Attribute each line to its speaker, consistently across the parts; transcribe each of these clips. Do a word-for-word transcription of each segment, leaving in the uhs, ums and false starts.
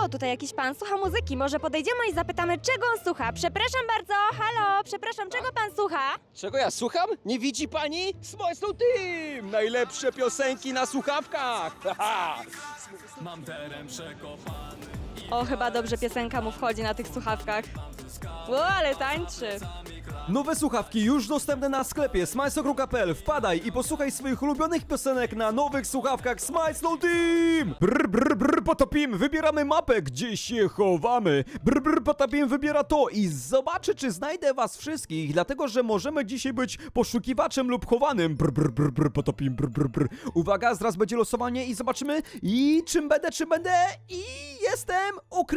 Speaker 1: O, tutaj jakiś pan słucha muzyki. Może podejdziemy i zapytamy, czego on słucha. Przepraszam bardzo, halo, przepraszam, czego pan słucha?
Speaker 2: Czego ja słucham? Nie widzi pani? Smajslow Team! Najlepsze piosenki na słuchawkach! Haha!
Speaker 3: Mam teren przekopany.
Speaker 1: O, chyba dobrze piosenka mu wchodzi na tych słuchawkach. O, ale tańczy.
Speaker 4: Nowe słuchawki już dostępne na sklepie smajslow kropka p l. Wpadaj i posłuchaj swoich ulubionych piosenek na nowych słuchawkach Smajslow Team! Brr, brr, brr, potopim, wybieramy mapę, gdzie się chowamy. Brr, brr, potopim wybiera to i zobaczy, czy znajdę was wszystkich, dlatego, że możemy dzisiaj być poszukiwaczem lub chowanym. Brr, brr, brr, brr, potopim, brr, brr, brr. Uwaga, zaraz będzie losowanie i zobaczymy, i czym będę, czym będę, i jestem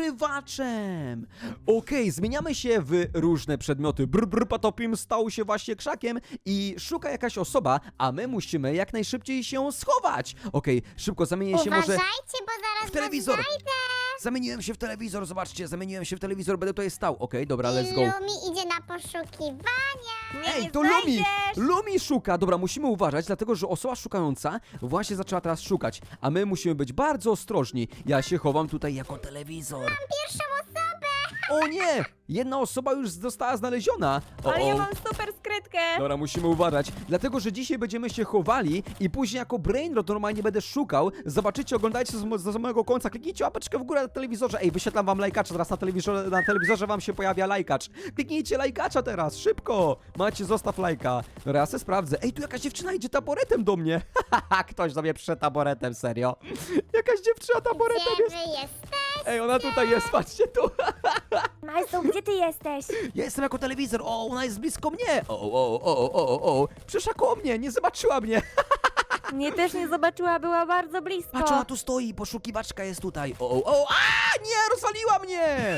Speaker 4: ukrywaczem. Okej, zmieniamy się w różne przedmioty. Brr, brr, potopim stał się właśnie krzakiem i szuka jakaś osoba, a my musimy jak najszybciej się schować. Okej, szybko zamienię się może
Speaker 5: Uważajcie, bo zaraz
Speaker 4: w telewizor.
Speaker 5: was znajdę.
Speaker 4: Zamieniłem się w telewizor, zobaczcie, zamieniłem się w telewizor, będę tutaj stał. Okej, dobra, let's go.
Speaker 5: Lumi idzie na poszukiwania.
Speaker 1: Nie,
Speaker 4: Ej,
Speaker 1: nie
Speaker 4: to Lumi!
Speaker 1: znajdziesz.
Speaker 4: Lumi szuka! Dobra, musimy uważać, dlatego że osoba szukająca właśnie zaczęła teraz szukać, a my musimy być bardzo ostrożni. Ja się chowam tutaj jako telewizor.
Speaker 5: Pierwszą osobę.
Speaker 4: O nie! Jedna osoba już została znaleziona. O,
Speaker 1: Ale ja
Speaker 4: o.
Speaker 1: mam super skrytkę.
Speaker 4: Dobra, musimy uważać, dlatego że dzisiaj będziemy się chowali i później jako brainrot normalnie będę szukał. Zobaczycie, oglądajcie z, z samego końca, kliknijcie łapeczkę w górę na telewizorze. Ej, wyświetlam wam lajkacza, teraz na telewizorze, na telewizorze wam się pojawia lajkacz. Kliknijcie lajkacza teraz, szybko! Macie, zostaw lajka. Dobra, ja se sprawdzę. Ej, tu jakaś dziewczyna idzie taboretem do mnie. Haha, ktoś do mnie przyszedł taboretem, serio. Jakaś dziewczyna taboretem
Speaker 5: Gdzie
Speaker 4: jest.
Speaker 5: wy jesteście?
Speaker 4: Ej, ona tutaj jest, patrzcie tu.
Speaker 1: Majsu, gdzie ty jesteś?
Speaker 4: Ja jestem jako telewizor, o, ona jest blisko mnie. O, o, o, o, o, o. Przyszła koło mnie, nie zobaczyła mnie.
Speaker 1: Mnie też nie zobaczyła, była bardzo blisko.
Speaker 4: Patrz, ona tu stoi, poszukiwaczka jest tutaj. O, o, o, a, nie, rozwaliła mnie.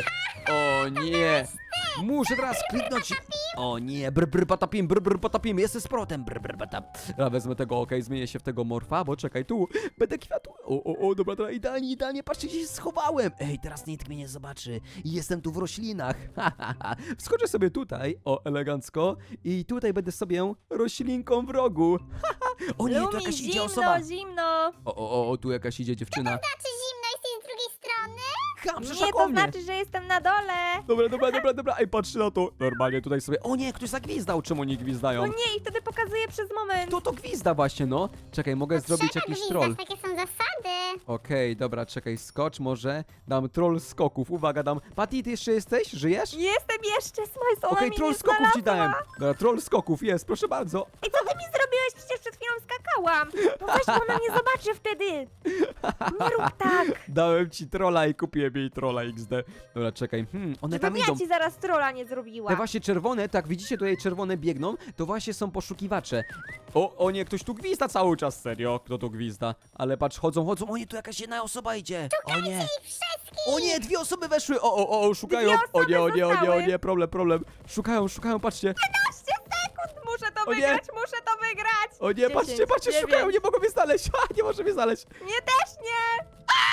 Speaker 4: O nie. Muszę teraz kliknąć. O nie, brr, brr, patapim, brr, brr, patapim, jestem z protem, brr, brr, patap. Ja wezmę tego, okej, zmienię się w tego morfa, bo czekaj, tu, będę kwiatu. O, o, o, dobra, dobra, idealnie, idealnie, patrzcie, gdzie się schowałem. Ej, teraz nikt mnie nie zobaczy. Jestem tu w roślinach. Ha, ha, ha. Wskoczę sobie tutaj, o, elegancko, i tutaj będę sobie roślinką w rogu. Ha, ha. O nie, tu
Speaker 1: Lumi,
Speaker 4: jakaś idzie
Speaker 1: zimno,
Speaker 4: osoba.
Speaker 1: zimno.
Speaker 4: O, o, o, tu jakaś idzie dziewczyna.
Speaker 5: Znaczy zimno, jesteś z drugiej strony?
Speaker 4: Ha, przyszła
Speaker 1: Nie,
Speaker 4: koło
Speaker 1: to
Speaker 4: mnie.
Speaker 1: znaczy, że jestem na dole.
Speaker 4: Dobra, dobra, dobra, dobra, ej, patrzcie na to. Normalnie tutaj sobie, o nie, ktoś zagwizdał, czemu oni gwizdają?
Speaker 1: O nie, i wtedy pokazuję przez moment.
Speaker 4: Kto to gwizda właśnie, no? Czekaj, mogę zrobić
Speaker 5: Trzeba
Speaker 4: jakiś
Speaker 5: gwizdać,
Speaker 4: troll.
Speaker 5: takie są zasady.
Speaker 4: Okej, dobra, czekaj, skocz może. Dam troll skoków, uwaga, dam. Patty, ty jeszcze jesteś? Żyjesz?
Speaker 1: Jestem jeszcze, Smajs, ona
Speaker 4: Okej,
Speaker 1: mnie
Speaker 4: troll
Speaker 1: nie
Speaker 4: skoków ci
Speaker 1: znalazła.
Speaker 4: dałem. Dobra, troll skoków jest, proszę bardzo.
Speaker 1: I co ty mi zrobiłeś? Przecież przed chwilą skakałam. No weź, bo ona mnie zobaczy wtedy. Nie rób tak.
Speaker 4: Dałem ci trolla i kupiłem jej trolla iks de. Dobra, czekaj, hmm, one tam
Speaker 1: Żebym
Speaker 4: idą.
Speaker 1: ja ci zaraz trolla nie zrobiła.
Speaker 4: Te właśnie czerwone, tak widzicie tutaj czerwone biegną, to właśnie są poszukiwacze. O, o nie, ktoś tu gwizda cały czas, serio, kto tu gwizda? Ale patrz, chodzą, chodzą, o nie, tu jakaś jedna osoba idzie. O nie, o nie, dwie osoby weszły, o, o, o, szukają.
Speaker 1: Dwie
Speaker 4: O nie, o
Speaker 1: osoby
Speaker 4: nie, o nie, o
Speaker 1: zostały.
Speaker 4: nie, problem, problem. Szukają, szukają, patrzcie.
Speaker 1: piętnaście sekund, muszę to
Speaker 4: O nie.
Speaker 1: wygrać, muszę to wygrać.
Speaker 4: O nie, patrzcie,
Speaker 1: dziesięć,
Speaker 4: patrzcie,
Speaker 1: dziewięć.
Speaker 4: szukają, nie mogą mnie znaleźć, ha, nie może mnie znaleźć.
Speaker 1: Nie, też nie.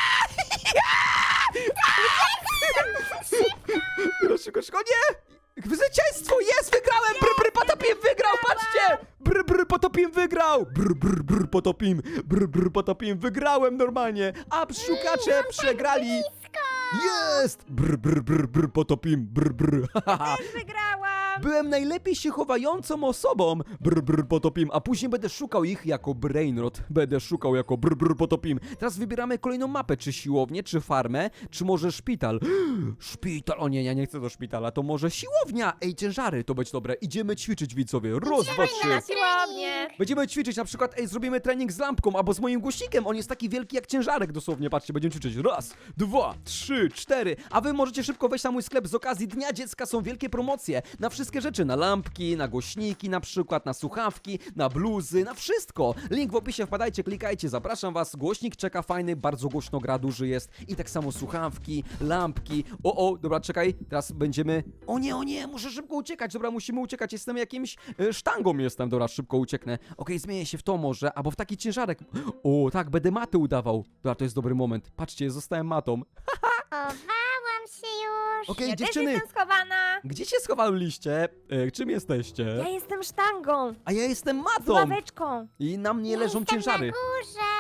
Speaker 4: Szybko, szybko, nie! Zwycięstwo jest, wygrałem! Brr, brr, potopim wygrał, patrzcie! Brr, brr, potopim wygrał! Brr, brr, brr, potopim, brr, brr, potopim, wygrałem normalnie! A szukacze przegrali! Jest! Brr, brr, brr, brr, potopim, brr, brr, haha.
Speaker 1: Też wygrałam.
Speaker 4: Byłem najlepiej się chowającą osobą. Brr, brr, potopim, a później będę szukał ich jako brainrot. Będę szukał jako brr, brr, potopim. Teraz wybieramy kolejną mapę, czy siłownię, czy farmę, czy może szpital. Szpital, o nie, ja nie chcę do szpitala, to może siłownia. Ej, ciężary, to będzie dobre. Idziemy ćwiczyć, widzowie. Raz, dwa, trzy.
Speaker 1: Na siłownię.
Speaker 4: Będziemy ćwiczyć, na przykład, ej, zrobimy trening z lampką, albo z moim głośnikiem. On jest taki wielki jak ciężarek, dosłownie. Patrzcie, będziemy ćwiczyć. Raz, dwa, trzy, cztery. A wy możecie szybko wejść na mój sklep z okazji Dnia Dziecka. Są wielkie promocje na wszystkie rzeczy. Na lampki, na głośniki, na przykład, na słuchawki, na bluzy, na wszystko. Link w opisie, wpadajcie, klikajcie. Zapraszam was. Głośnik czeka fajny, bardzo głośno gra, duży jest. I tak samo słuchawki, lampki. O, o, dobra, czekaj. Teraz będziemy... O nie, o nie, muszę szybko uciekać. Dobra, musimy uciekać. Jestem jakimś e, sztangą jestem. Dobra, szybko ucieknę. Okej, zmienię się w to może, albo w taki ciężarek. O, tak, będę matę udawał. Dobra, to jest dobry moment. Patrzcie, zostałem matą.
Speaker 5: Chowałam się już.
Speaker 4: Okej,
Speaker 1: Ja
Speaker 4: dziewczyny,
Speaker 1: też jestem schowana.
Speaker 4: gdzie się schowaliście? E, czym jesteście?
Speaker 1: Ja jestem sztangą.
Speaker 4: A ja jestem
Speaker 1: Z
Speaker 4: matą.
Speaker 1: ławeczką.
Speaker 4: I na mnie
Speaker 5: Ja
Speaker 4: leżą
Speaker 5: jestem
Speaker 4: ciężary.
Speaker 5: na górze.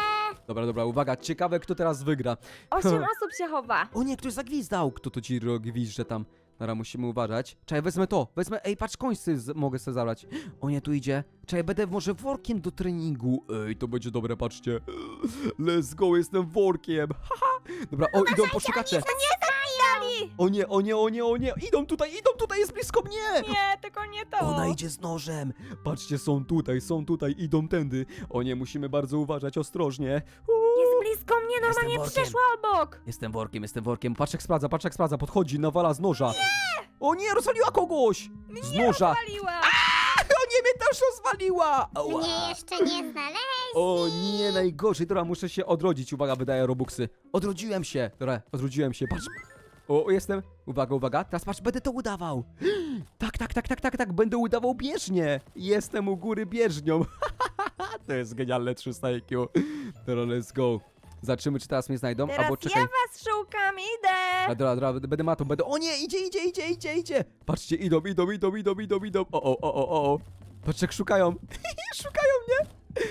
Speaker 4: Dobra, dobra, uwaga, ciekawe kto teraz wygra.
Speaker 1: Osiem osób się chowa.
Speaker 4: O nie, ktoś zagwizdał! Kto to ci gwizdże tam? Dobra, musimy uważać. Czekaj, wezmę to, wezmę, ej, patrz, końcy z... mogę sobie zabrać. O nie, tu idzie. Czekaj, będę może workiem do treningu. Ej, to będzie dobre, patrzcie. Let's go, jestem workiem. Haha. Dobra, o, idą poszukacze. O nie, o nie, o nie, o nie, idą tutaj, idą tutaj, jest blisko mnie!
Speaker 1: Nie, tylko nie to.
Speaker 4: Ona idzie z nożem! Patrzcie, są tutaj, są tutaj, idą tędy. O nie, musimy bardzo uważać, ostrożnie. Uuu.
Speaker 1: Jest blisko mnie, normalnie
Speaker 4: workiem.
Speaker 1: przeszła obok.
Speaker 4: Jestem workiem, jestem workiem. Patrz jak sprawdza, patrz jak sprawdza, podchodzi, nawala z noża. Nie! O nie, rozwaliła kogoś! Z noża!
Speaker 1: Paliła.
Speaker 4: O nie, mnie też rozwaliła! Ała.
Speaker 5: Mnie jeszcze nie znaleźli.
Speaker 4: O nie, najgorzej. Dobra, muszę się odrodzić. Uwaga, wydaję robuxy. Odrodziłem się. Dobra, odrodziłem się, patrz. O, jestem. Uwaga, uwaga. Teraz patrz, będę to udawał. Tak, tak, tak, tak, tak, tak. Będę udawał bieżnię. Jestem u góry bieżnią. To jest genialne trzysta I Q. Dobra, let's go. Zobaczymy, czy teraz mnie znajdą.
Speaker 1: Teraz
Speaker 4: Albo czekaj.
Speaker 1: ja was szukam, idę.
Speaker 4: A, dobra, dobra, będę matą, będę... O nie, idzie, idzie, idzie, idzie, idzie! Patrzcie, idą, idą, idą, idą, idą, idą. O, o, o, o, o. Patrzcie, jak szukają. Szukają mnie.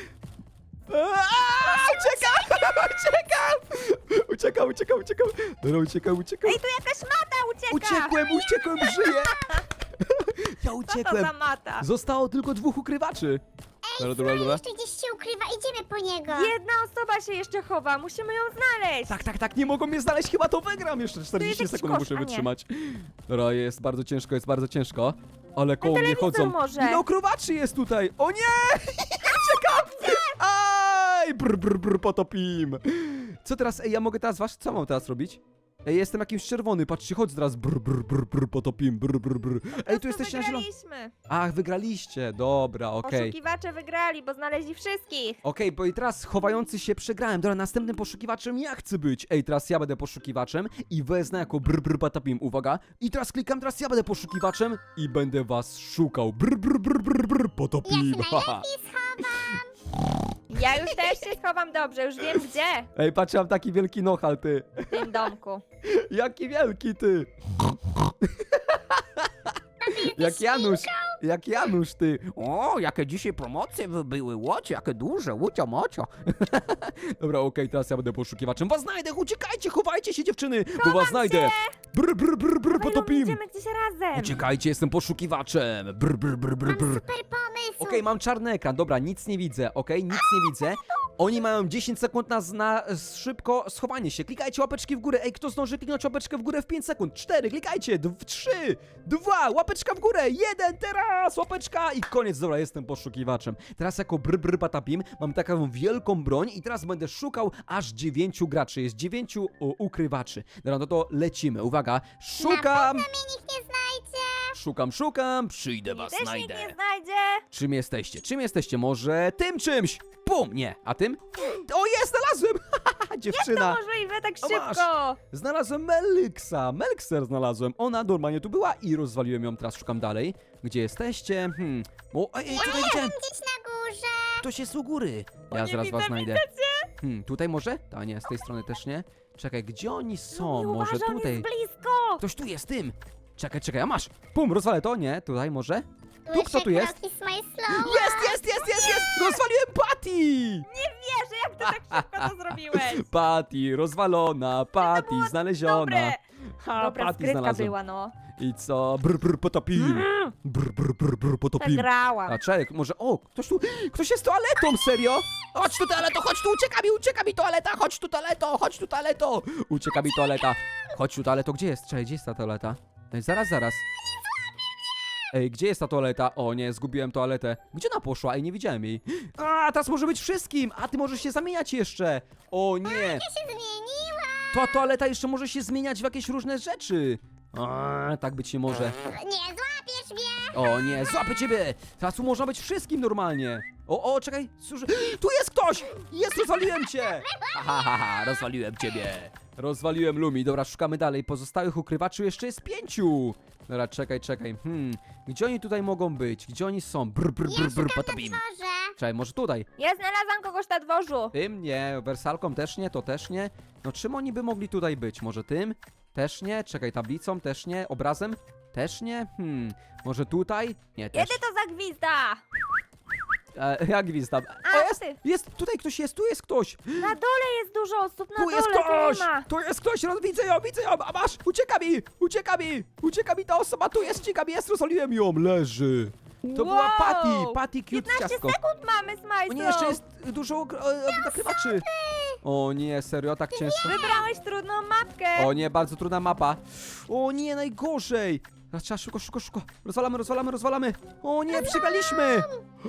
Speaker 4: Aaaa, uciekam, uciekam! Uciekam, uciekam, uciekam. Dobra, uciekam, uciekam.
Speaker 1: Ej, tu jakaś mata ucieka.
Speaker 4: Uciekłem, uciekłem, żyję! Ja
Speaker 1: Co to
Speaker 4: uciekłem.
Speaker 1: za mata?
Speaker 4: Zostało tylko dwóch ukrywaczy. Dobra, dobra, dobra.
Speaker 5: Jeszcze gdzieś się ukrywa, idziemy po niego.
Speaker 1: Jedna osoba się jeszcze chowa, musimy ją znaleźć.
Speaker 4: Tak, tak, tak, nie mogą mnie znaleźć, chyba to wygram. Jeszcze czterdzieści
Speaker 1: jakiś
Speaker 4: sekund
Speaker 1: kosz,
Speaker 4: muszę
Speaker 1: a nie.
Speaker 4: wytrzymać. Dobra, jest bardzo ciężko, jest bardzo ciężko. Ale koło mnie
Speaker 1: telewizor
Speaker 4: chodzą.
Speaker 1: może.
Speaker 4: Ile okrowaczy jest tutaj? O nie! Uciekam! Aj! Brr, brr, brr, potopim. Co teraz? Ej, ja mogę teraz was? Co mam teraz robić? Ej, jestem jakimś czerwony, patrzcie, chodź teraz. Brr, brr, brr, brr, potopim, brr, brr, brr. Ej, tu jesteście na zielono.
Speaker 1: Wygraliśmy.
Speaker 4: Ach, wygraliście, dobra, okej.
Speaker 1: Poszukiwacze wygrali, bo znaleźli wszystkich.
Speaker 4: Okej, bo i teraz chowający się przegrałem. Dobra, następnym poszukiwaczem ja chcę być. Ej, teraz ja będę poszukiwaczem i wezmę jako brr brr patapim. Uwaga. I teraz klikam, teraz ja będę poszukiwaczem i będę was szukał. Brr brr brr brr brr potopim.
Speaker 5: Ja się najlepiej schowam.
Speaker 1: Ja już też się schowam dobrze, już wiem gdzie.
Speaker 4: Ej, patrz, mam taki wielki nochal, ty.
Speaker 1: W tym domku.
Speaker 4: Jaki wielki, ty. Jak Janusz, jak Janusz, ty. O, jakie dzisiaj promocje by były, łocie, jakie duże, łucio mocio. Dobra, okej, teraz ja będę poszukiwaczem. Was znajdę, uciekajcie, chowajcie się, dziewczyny, bo was znajdę. Brr, brr, brr, brr,
Speaker 1: Dawaj,
Speaker 4: potopim.
Speaker 1: idziemy gdzieś razem.
Speaker 4: Uciekajcie, jestem poszukiwaczem. Brr, brr, brr, brr, brr.
Speaker 5: Super pomysł.
Speaker 4: Okej, mam czarny ekran, dobra, nic nie widzę, okej, nic nie widzę. Oni mają dziesięć sekund na, na szybko schowanie się. Klikajcie łapeczki w górę. Ej, kto zdąży kliknąć łapeczkę w górę w pięć sekund? cztery, klikajcie. trzy, dwa, łapeczka w górę. jeden, teraz łapeczka i koniec. Dobra, jestem poszukiwaczem. Teraz jako brr brr patapim mam taką wielką broń i teraz będę szukał aż dziewięciu graczy. Jest dziewięciu o, ukrywaczy. Dobra, no to lecimy. Uwaga, szukam.
Speaker 5: Mnie nikt nie znajdzie.
Speaker 4: Szukam, szukam. Przyjdę was,
Speaker 1: Też
Speaker 4: znajdę.
Speaker 1: nikt nie znajdzie.
Speaker 4: Czym jesteście? Czym jesteście? Może tym czymś? Bum! Nie. A tym? O, jest! Znalazłem!
Speaker 1: To
Speaker 4: Dziewczyna!
Speaker 1: możliwe tak
Speaker 4: O, masz.
Speaker 1: szybko.
Speaker 4: Znalazłem Meliksa. Melkser znalazłem. Ona normalnie tu była i rozwaliłem ją. Teraz szukam dalej. Gdzie jesteście? Hmm. O, ej, ej, tutaj widziałem.
Speaker 5: Gdzieś na górze.
Speaker 4: Ktoś jest u góry. Ja
Speaker 1: nie
Speaker 4: zaraz
Speaker 1: widzę,
Speaker 4: was znajdę. Hmm, tutaj może? A nie, z tej strony też nie. Czekaj, gdzie oni są?
Speaker 1: Nie
Speaker 4: Może
Speaker 1: uważaj, on
Speaker 4: tutaj.
Speaker 1: jest blisko.
Speaker 4: Ktoś tu jest, tym. Czekaj, czekaj, a masz. Pum, rozwalę to. Nie, tutaj może? Tu kto
Speaker 5: Słyszę
Speaker 4: tu jest?
Speaker 5: kroki z mojej slow.
Speaker 4: Jest, jest, jest, jest, jest! Rozwaliłem Patty!
Speaker 1: Nie wierzę, jak ty tak szybko to zrobiłeś.
Speaker 4: Patty, rozwalona, Patty,
Speaker 1: było
Speaker 4: znaleziona.
Speaker 1: Dobre.
Speaker 4: Ha,
Speaker 1: Dobra,
Speaker 4: Patty
Speaker 1: skrytka
Speaker 4: znalazłem.
Speaker 1: była, no.
Speaker 4: I co? Brr, brr, potopim. Brr, brr, brr, brr, potopim.
Speaker 1: Zagrałam.
Speaker 4: A czek, może, o, ktoś tu, ktoś jest toaletą, serio? Chodź tu toaleto, chodź tu, ucieka mi, ucieka mi toaleta, chodź tu toaleto, chodź tu toaleto. Ucieka mi toaleta. Chodź tu toaleto, gdzie jest? Czekaj, gdzie jest ta toaleta? Ej, zaraz, zaraz. Ej, gdzie jest ta toaleta? O nie, zgubiłem toaletę. Gdzie ona poszła? Ej, nie widziałem jej. A, teraz może być wszystkim! A ty możesz się zamieniać jeszcze! O nie!
Speaker 5: Ja się zmieniła.
Speaker 4: Ta toaleta jeszcze może się zmieniać w jakieś różne rzeczy! A, tak być nie może.
Speaker 5: Nie złapiesz mnie.
Speaker 4: O nie, złapę ciebie! Teraz tu można być wszystkim normalnie. O, o, czekaj, słyszę. Tu jest ktoś! Jest, rozwaliłem cię! Ha, ha, ha, ha, rozwaliłem ciebie. Rozwaliłem Lumi. Dobra, szukamy dalej. Pozostałych ukrywaczy jeszcze jest pięciu. Dobra, czekaj, czekaj. Hmm, gdzie oni tutaj mogą być? Gdzie oni są? Brr, brr, brr, brr, patapim.
Speaker 5: Może.
Speaker 4: Czekaj, może tutaj?
Speaker 1: Ja znalazłam kogoś na dworzu.
Speaker 4: Tym nie, wersalką też nie, to też nie. No czym oni by mogli tutaj być? Może tym? Też nie. Czekaj, tablicą? Też nie. Obrazem? Też nie. Hmm, może tutaj? Nie, też.
Speaker 1: Kiedy to zagwizda?
Speaker 4: E, ja gwizdam.
Speaker 1: A,
Speaker 4: O, jest,
Speaker 1: ty.
Speaker 4: jest, tutaj ktoś jest, tu jest ktoś.
Speaker 1: Na dole jest dużo osób, na
Speaker 4: Tu
Speaker 1: dole
Speaker 4: jest
Speaker 1: to
Speaker 4: ktoś!
Speaker 1: nie ma.
Speaker 4: Tu jest ktoś, roz- widzę ją, widzę ją, a masz, ucieka mi, ucieka mi, ucieka mi ta osoba, tu jest, ucieka mi, jest, rozwaliłem ją, leży. To była
Speaker 1: Wow.
Speaker 4: Patty, Patty cute
Speaker 1: piętnaście
Speaker 4: ciastko.
Speaker 1: sekund mamy, Smajslow.
Speaker 4: O nie, jeszcze jest dużo e, e, nakrywaczy. O nie, serio, tak ciężko.
Speaker 1: Wybrałeś trudną mapkę.
Speaker 4: O nie, bardzo trudna mapa. O nie, najgorzej. Teraz trzeba szybko, szybko, szybko. Rozwalamy, rozwalamy, rozwalamy. O nie, przegraliśmy.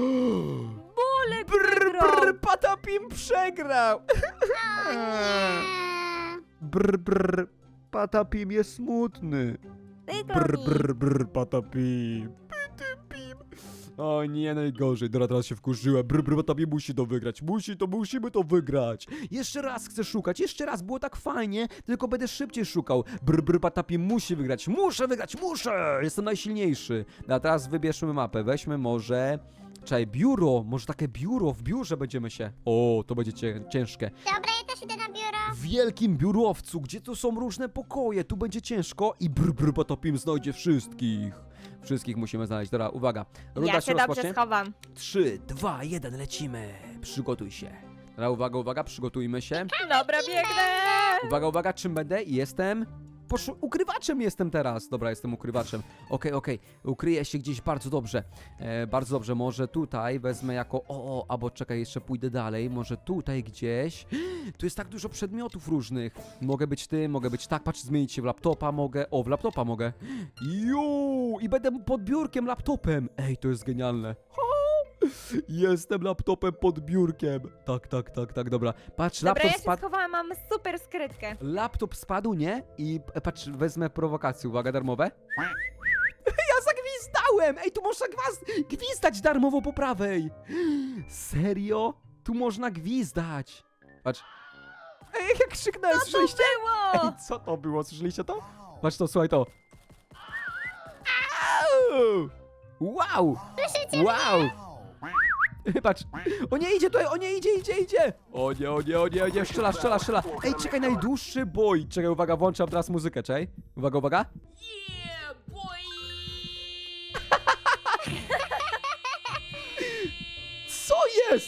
Speaker 1: Bolek
Speaker 4: Brr,
Speaker 1: wygrał.
Speaker 4: brr, Patapim przegrał.
Speaker 5: Eee,
Speaker 4: Brr, brr, Patapim jest smutny.
Speaker 1: Wykluj
Speaker 4: Brr,
Speaker 1: mi.
Speaker 4: brr, brr, Patapim. Patapim. O nie, najgorzej. Dobra, teraz się wkurzyłem. Brr, brr, Patapim musi to wygrać. Musi to, musimy to wygrać. Jeszcze raz chcę szukać, jeszcze raz. Było tak fajnie, tylko będę szybciej szukał. Brr, brr, Patapim musi wygrać. Muszę wygrać, muszę. Jestem najsilniejszy. A teraz wybierzmy mapę. Weźmy może... Czekaj, biuro. Może takie biuro. W biurze będziemy się... O, to będzie cię, ciężkie.
Speaker 5: Dobra, ja też idę na biuro.
Speaker 4: W wielkim biurowcu, gdzie tu są różne pokoje. Tu będzie ciężko i brr, brr, Patapim znajdzie wszystkich. Wszystkich musimy znaleźć. Dobra, uwaga. Runda
Speaker 1: Ja
Speaker 4: się
Speaker 1: się dobrze
Speaker 4: rozpocznie.
Speaker 1: schowam.
Speaker 4: trzy, dwa, jeden, lecimy. Przygotuj się. Dobra, uwaga, uwaga, przygotujmy się.
Speaker 1: Dobra, biegnę.
Speaker 4: Uwaga, uwaga, czym będę? Jestem... Poszu... Ukrywaczem jestem teraz. Dobra, jestem ukrywaczem. Okej, okej. Ukryję się gdzieś bardzo dobrze. E, bardzo dobrze. Może tutaj wezmę jako... O, o, albo czekaj, jeszcze pójdę dalej. Może tutaj gdzieś. Tu jest tak dużo przedmiotów różnych. Mogę być tym, mogę być tak. Patrz, zmienić się w laptopa mogę. O, w laptopa mogę. Ju! I będę pod biurkiem laptopem. Ej, to jest genialne. Jestem laptopem pod biurkiem. Tak, tak, tak, tak, dobra. Patrz,
Speaker 1: Dobra,
Speaker 4: laptop
Speaker 1: ja się
Speaker 4: spadł.
Speaker 1: schowałam, mam super skrytkę.
Speaker 4: Laptop spadł, nie? I e, patrz, wezmę prowokację. Uwaga, darmowe. Ja zagwizdałem! Ej, tu można gwaz- gwizdać darmowo po prawej. Serio? Tu można gwizdać. Patrz. Ej, jak krzyknąłem,
Speaker 1: Co to
Speaker 4: słyszeliście? Ej,
Speaker 1: było?
Speaker 4: co to było? Słyszeliście to? Patrz to, słuchaj to. Au! Wow! Wow! Patrz. O nie, idzie tutaj, o nie, idzie, idzie, idzie. O nie, o nie, o nie, o nie, strzela, strzela, strzela. Ej, czekaj, najdłuższy boj. Czekaj, uwaga, włączam teraz muzykę, czekaj. Uwaga, uwaga. Co jest?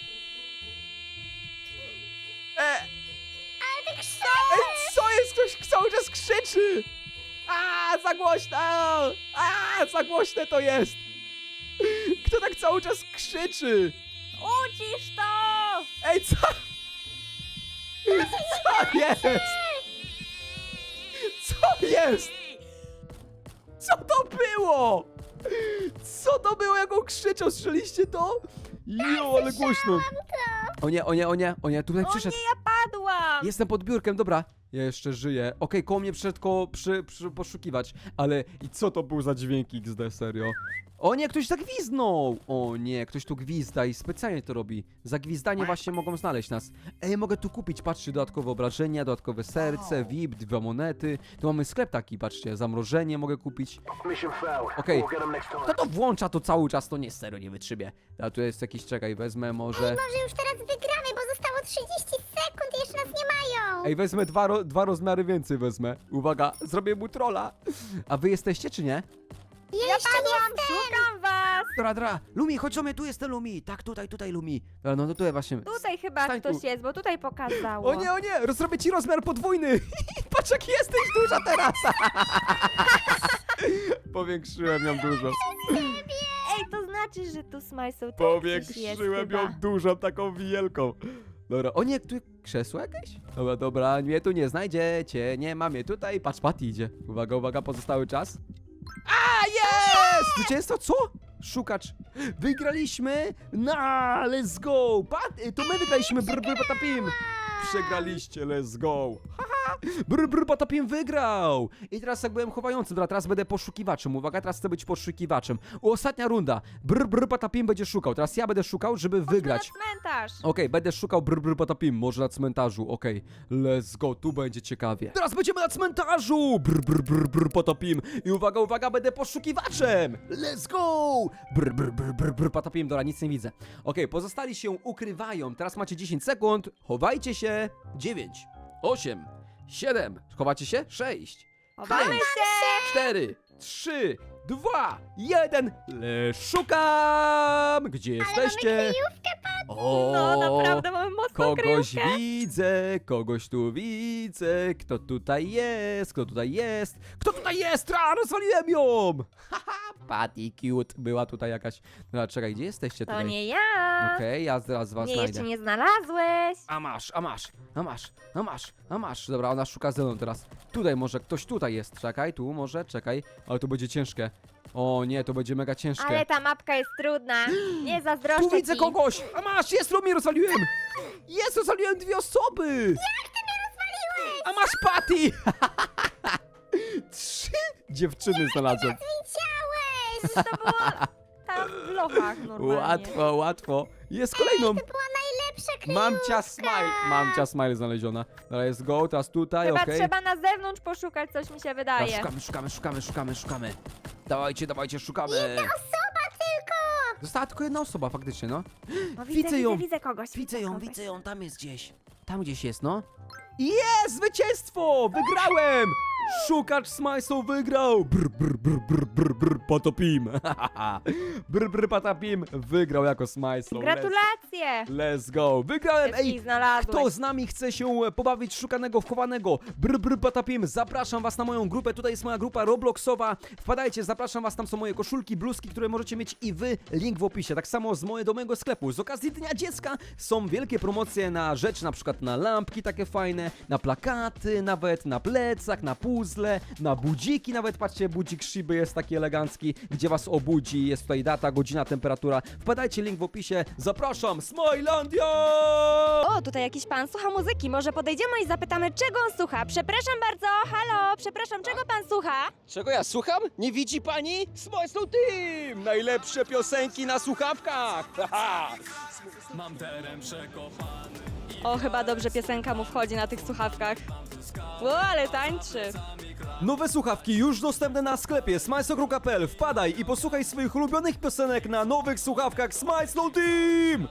Speaker 4: E, Ej, co jest? Ktoś cały czas krzyczy. A, za głośno. A, za głośne to jest. Kto tak cały czas krzyczy?
Speaker 1: Ucisz to!
Speaker 4: Ej, co? Co jest? Co jest? Co to było? Co to było, jak on krzyczał? Słyszeliście to? Jo, ale głośno. O nie, o nie, o nie, o nie, tutaj
Speaker 1: O
Speaker 4: przyszedł.
Speaker 1: nie, ja padłam!
Speaker 4: Jestem pod biurkiem, dobra. Ja jeszcze żyję. Okej, koło mnie przyszedł koło przy, przy, poszukiwać. Ale i co to był za dźwięk X D, serio? O nie, ktoś zagwizdnął! O nie, ktoś tu gwizda i specjalnie to robi. Za gwizdanie właśnie mogą znaleźć nas. Ej, mogę tu kupić, patrzcie, dodatkowe obrażenia, dodatkowe serce, V I P, dwa monety. Tu mamy sklep taki, patrzcie, zamrożenie mogę kupić. Okej, kto to włącza to cały czas, to nie, serio, nie wytrzymie. A tu jest jakiś, czekaj, wezmę może...
Speaker 5: Może już teraz wygramy, bo zostało trzydzieści sekund i jeszcze nas nie mają.
Speaker 4: Ej, wezmę dwa, ro, dwa rozmiary więcej, wezmę. Uwaga, zrobię mu trolla. A wy jesteście, czy nie?
Speaker 5: Ja,
Speaker 1: Ja
Speaker 5: jeszcze
Speaker 1: padłam,
Speaker 5: jestem.
Speaker 1: szukam was!
Speaker 4: Dra, dra. Lumi, chodź do mnie, tu jestem Lumi. Tak, tutaj, tutaj Lumi. Dobra, no to tutaj właśnie.
Speaker 1: Tutaj chyba
Speaker 4: Stań tu.
Speaker 1: ktoś jest, bo tutaj pokazało.
Speaker 4: O nie, o nie, zrobię ci rozmiar podwójny. Patrz, jaki jesteś duża teraz. Powiększyłem ją dużo.
Speaker 1: Ej, to znaczy, że tu Smajslow też gdzieś jest
Speaker 4: Powiększyłem
Speaker 1: chyba.
Speaker 4: ją dużą, taką wielką. Dobra, o nie, tu krzesło jakieś? Dobra, dobra, mnie tu nie znajdziecie, nie ma mnie tutaj. Patrz, Patty idzie. Uwaga, uwaga, pozostały czas. A, jest! Zwycięstwo, co? Szukacz. Wygraliśmy! Na, let's go! Pat, to my wygraliśmy, brr, brr, patapim! Przegraliście, let's go! Haha! Brr, brr, patapim wygrał! I teraz jak byłem chowającym, dobra, teraz będę poszukiwaczem. Uwaga, teraz chcę być poszukiwaczem. Ostatnia runda. Brr, brr, patapim będzie szukał. Teraz ja będę szukał, żeby wygrać.
Speaker 1: Na cmentarz!
Speaker 4: Okej, będę szukał brr, brr, patapim, może na cmentarzu, okej. Let's go, tu będzie ciekawie. Teraz będziemy na cmentarzu! Brr, brr, brr, brr, patapim. I uwaga, uwaga, będę poszukiwaczem! Let's go! Brr, brr, brr, brr, brr, patapim, dobra, nic nie widzę. Okej, pozostali się ukrywają, teraz macie dziesięć sekund, chowajcie się. dziewięć, osiem, siedem, chowacie się? sześć,
Speaker 1: Chowamy
Speaker 4: pięć,
Speaker 1: się!
Speaker 4: cztery, trzy, dwa, jeden. Le szukam! Gdzie jesteście?
Speaker 5: Kryjówkę, patrz!
Speaker 4: O,
Speaker 1: No naprawdę mamy mocną
Speaker 4: kogoś
Speaker 1: kryjówkę.
Speaker 4: widzę, kogoś tu widzę. Kto tutaj jest? Kto tutaj jest? Kto tutaj jest? A, rozwaliłem ją! Haha, Patty cute. Była tutaj jakaś... No, czekaj, gdzie jesteście
Speaker 1: To
Speaker 4: tutaj?
Speaker 1: nie ja.
Speaker 4: Okej, ja zaraz was
Speaker 1: Mnie
Speaker 4: znajdę.
Speaker 1: jeszcze nie znalazłeś.
Speaker 4: A masz, a masz, a masz, a masz, a masz. Dobra, ona szuka ze mną teraz. Tutaj może, ktoś tutaj jest. Czekaj, tu może, czekaj. Ale to będzie ciężkie. O nie, to będzie mega ciężkie.
Speaker 1: Ale ta mapka jest trudna. Nie zazdroszczę
Speaker 4: Tu widzę
Speaker 1: ci.
Speaker 4: kogoś! A masz, jest, Romi, rozwaliłem! Jest, rozwaliłem dwie osoby!
Speaker 5: Jak ty mnie rozwaliłeś?
Speaker 4: A masz Patty! Trzy dziewczyny znalazłem.
Speaker 5: Widziałeś!
Speaker 1: To było tam w lochach normalnie.
Speaker 4: Łatwo, łatwo. Jest kolejną.
Speaker 5: To była najlepsza kryjówka!
Speaker 4: Mam cia smile. Mam cia smile znaleziona. Dobra, jest go, teraz tutaj,
Speaker 1: Chyba
Speaker 4: okej.
Speaker 1: trzeba na zewnątrz poszukać, coś mi się
Speaker 4: Dobra,
Speaker 1: wydaje.
Speaker 4: szukamy, szukamy, szukamy, szukamy, szukamy. Dawajcie, dawajcie, szukamy.
Speaker 5: Osoba tylko!
Speaker 4: Została tylko jedna osoba, faktycznie, no.
Speaker 1: O,
Speaker 4: widzę
Speaker 1: widzę,
Speaker 4: ją.
Speaker 1: Widzę, widzę kogoś.
Speaker 4: Widzę ją,
Speaker 1: kogoś.
Speaker 4: widzę ją, tam jest gdzieś. Tam gdzieś jest, no. Jest! Zwycięstwo! Wygrałem! Szukacz Smajsą wygrał! Brr, brr, brr, brr, brr, brr, patapim! brr, brr, patapim wygrał jako Smajsą.
Speaker 1: Gratulacje!
Speaker 4: Let's, let's go! Wygrałem!
Speaker 1: Wszystkich
Speaker 4: Ej!
Speaker 1: znalazłeś.
Speaker 4: Kto z nami chce się pobawić w szukanego, wchowanego? Brr, brr, patapim! Zapraszam was na moją grupę, tutaj jest moja grupa Robloxowa. Wpadajcie, zapraszam was, tam są moje koszulki, bluzki, które możecie mieć i wy. Link w opisie. Tak samo z mojego, do mojego sklepu. Z okazji Dnia Dziecka są wielkie promocje na rzeczy, na przykład na lampki takie fajne, na plakaty, nawet na plecak, na puzzle, na budziki, nawet patrzcie, budzik Shiby jest taki elegancki, gdzie was obudzi, jest tutaj data, godzina, temperatura. Wpadajcie, link w opisie. Zapraszam, Smilandia!
Speaker 1: O, tutaj jakiś pan słucha muzyki. Może podejdziemy i zapytamy, czego on słucha. Przepraszam bardzo. Halo, przepraszam, czego pan słucha?
Speaker 2: Czego ja słucham? Nie widzi pani? Smile Slow Team! Najlepsze piosenki na słuchawkach! Haha!
Speaker 3: Mam teren przekopany.
Speaker 1: O, chyba dobrze piosenka mu wchodzi na tych słuchawkach. O, ale tańczy.
Speaker 4: Nowe słuchawki już dostępne na sklepie smajsokru kropka p l. Wpadaj i posłuchaj swoich ulubionych piosenek na nowych słuchawkach Smile Slow Team!